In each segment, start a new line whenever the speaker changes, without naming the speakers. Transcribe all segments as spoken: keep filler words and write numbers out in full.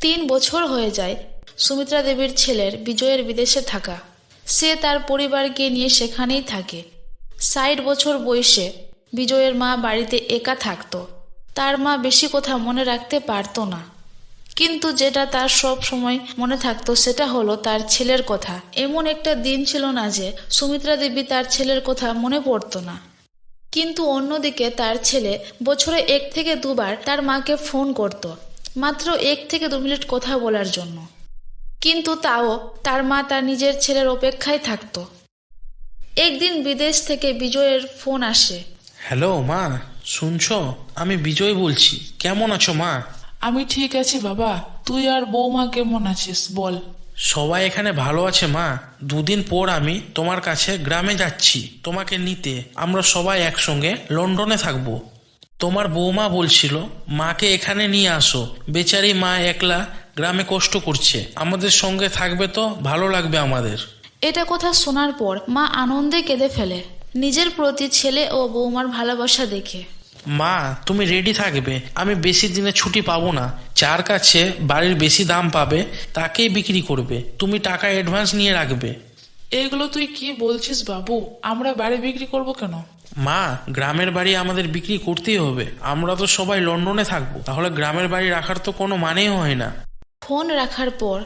তিন বছর হয়ে যায় সুমিত্রা দেবীর ছেলের বিজয়ের বিদেশে থাকা। সে তার পরিবারকে নিয়ে সেখানেই থাকে। ষাট বছর বয়সে বিজয়ের মা বাড়িতে একা থাকতো। তার মা বেশি কথা মনে রাখতে পারতো না, কিন্তু যেটা তার সব সময় মনে থাকতো সেটা হলো তার ছেলের কথা। এমন একটা দিন ছিল না যে সুমিত্রা দেবী তার ছেলের কথা মনে পড়তো না। কিন্তু অন্যদিকে তার ছেলে বছরে এক থেকে দুবার তার মাকে ফোন করত, মাত্র এক থেকে দু মিনিট কথা বলার জন্য। কিন্তু তাও তার মা তার নিজের ছেলের অপেক্ষায় থাকতো। একদিন বিদেশ থেকে বিজয়ের ফোন আসে।
হ্যালো মা, শুনছো? আমি বিজয় বলছি। কেমন আছো মা?
আমি ঠিক আছি বাবা, তুই আর বৌমা কেমন আছিস বল?
সবাই এখানে ভালো আছে মা। দুদিন পর আমি তোমার কাছে গ্রামে যাচ্ছি তোমাকে নিতে। আমরা সবাই একসঙ্গে লন্ডনে থাকবো। তোমার বৌমা বলছিল মাকে এখানে নিয়ে আসো, বেচারি মা একলা গ্রামে কষ্ট করছে। আমাদের সঙ্গে থাকবে তো ভালো লাগবে আমাদের।
এটা কথা শোনার পর মা আনন্দে কেঁদে ফেলে, নিজের প্রতি ছেলে ও বৌমার ভালোবাসা দেখে।
মা তুমি রেডি থাকবে, আমি বেশি দিনে ছুটি পাবো না। যার কাছে বাড়ির বেশি দাম পাবে তাকেই বিক্রি করবে। তুমি টাকা অ্যাডভান্স নিয়ে রাখবে।
এগুলো তুই কি বলছিস বাবু? আমরা বাড়ি বিক্রি করব কেন?
মা, গ্রামের বাড়ি আমাদের বিক্রি করতেই হবে। আমরা তো সবাই লন্ডনে থাকবো, তাহলে গ্রামের বাড়ি রাখার তো কোনো মানেই হয় না।
ফোন রাখার পর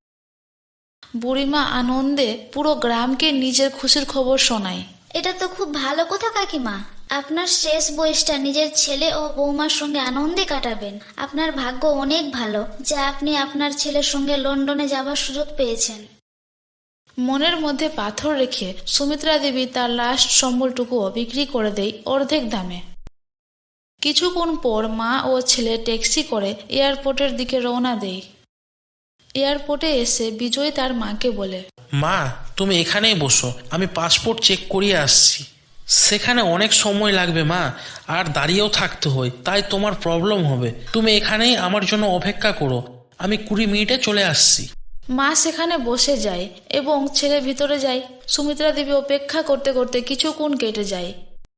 বুড়িমা আনন্দে পুরো গ্রামকে নিজের খুশির খবর শোনায়।
এটা তো খুব ভালো কথা কাকিমা। আপনার শেষ বয়সটা নিজের ছেলে ও বৌমার সঙ্গে আনন্দে কাটাবেন। আপনার ভাগ্য অনেক ভালো যে আপনি আপনার ছেলের সঙ্গে লন্ডনে যাবার সুযোগ পেয়েছেন।
মনের মধ্যে পাথর রেখে সুমিত্রা দেবী তার লাস্ট সম্বলটুকুও বিক্রি করে দেয় অর্ধেক দামে। কিছুক্ষণ পর মা ও ছেলে ট্যাক্সি করে এয়ারপোর্টের দিকে রওনা দেয়। এয়ারপোর্টে এসে বিজয় তার মাকে বলে,
মা তুমি এখানেই বসো, আমি পাসপোর্ট চেক করিয়ে আসছি। সেখানে অনেক সময় লাগবে মা, আর দাঁড়িয়েও থাকতে হয়, তাই তোমার প্রবলেম হবে। তুমি এখানেই আমার জন্য অপেক্ষা করো, আমি কুড়ি মিনিটে চলে আসছি।
মা সেখানে বসে যায় এবং ছেলে ভিতরে যায়। সুমিত্রা দেবী অপেক্ষা করতে করতে কিছুক্ষণ কেটে যায়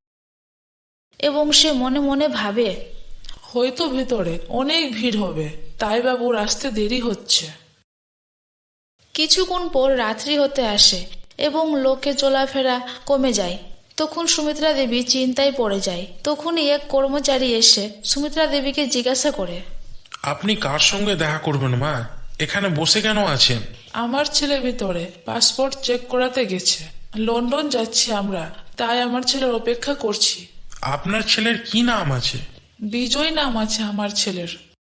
এবং সে মনে মনে ভাবে,
হয়তো ভেতরে অনেক ভিড় হবে, তাই বাবুর আসতে দেরি হচ্ছে।
কিছুক্ষণ পর রাত্রি হতে আসে এবং লোকে চলাফেরা কমে যায়। তখন সুমিত্রা দেবী চিন্তায় পড়ে যায়। তখনই এক কর্মচারী এসে সুমিত্রা দেবীকে জিজ্ঞাসা করে,
আপনি কার সঙ্গে দেখা করবেন মা? এখানে বসে কেন আছেন?
আমার ছেলে ভিতরে পাসপোর্ট চেক করাতে গেছে। লন্ডন যাচ্ছি আমরা, তাই আমার ছেলের অপেক্ষা করছি।
আপনার ছেলের কি নাম আছে?
বিজয় নাম আছে আমার ছেলের।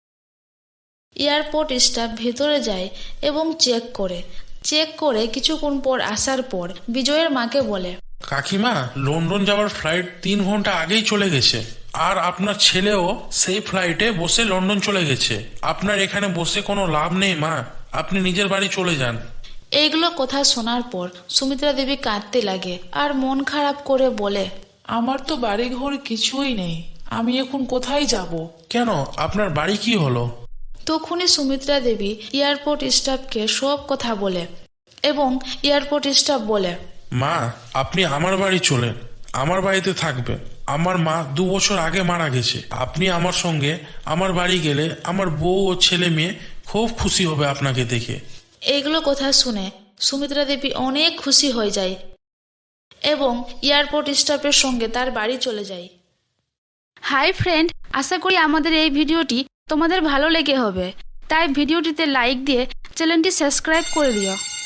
এয়ারপোর্ট স্টাফ ভেতরে যায় এবং চেক করে চেক করে কিছুক্ষণ পর আসার পর বিজয়ের মাকে বলে,
কাকিমা, লন্ডন যাওয়ার ফ্লাইট তিন ঘন্টা আগেই চলে গেছে, আর আপনার ছেলেও সেই ফ্লাইটে বসে লন্ডন চলে গেছে। আপনার এখানে বসে কোনো লাভ নেই মা, আপনি নিজের বাড়ি চলে যান।
এইগুলো কথা শোনার পর সুমিত্রা দেবী কাঁদতে লাগে আর মন খারাপ করে বলে,
আমার তো বাড়ি ঘর কিছুই নেই, আমি এখন কোথায় যাব?
কেন, আপনার বাড়ি কি হলো?
তখনই সুমিত্রা দেবী এয়ারপোর্ট স্টাফকে সব কথা বলে এবং এয়ারপোর্ট স্টাফ বলে,
মা আপনি আমার বাড়ি চলেন, আমার বাড়িতে থাকবেন। আমার মা দু বছর আগে মারা গেছে। আপনি আমার সঙ্গে আমার বাড়ি গেলে আমার বউ ও ছেলে মেয়ে খুব খুশি হবে আপনাকে দেখে।
এইগুলো কথা শুনে সুমিত্রা দেবী অনেক খুশি হয়ে যায় এবং এয়ারপোর্ট স্টাফের সঙ্গে তার বাড়ি চলে যায়। হাই ফ্রেন্ড, আশা করি আমাদের এই ভিডিওটি তোমাদের ভালো লেগে হবে, তাই ভিডিওটিতে লাইক দিয়ে চ্যানেলটি সাবস্ক্রাইব করে দিও।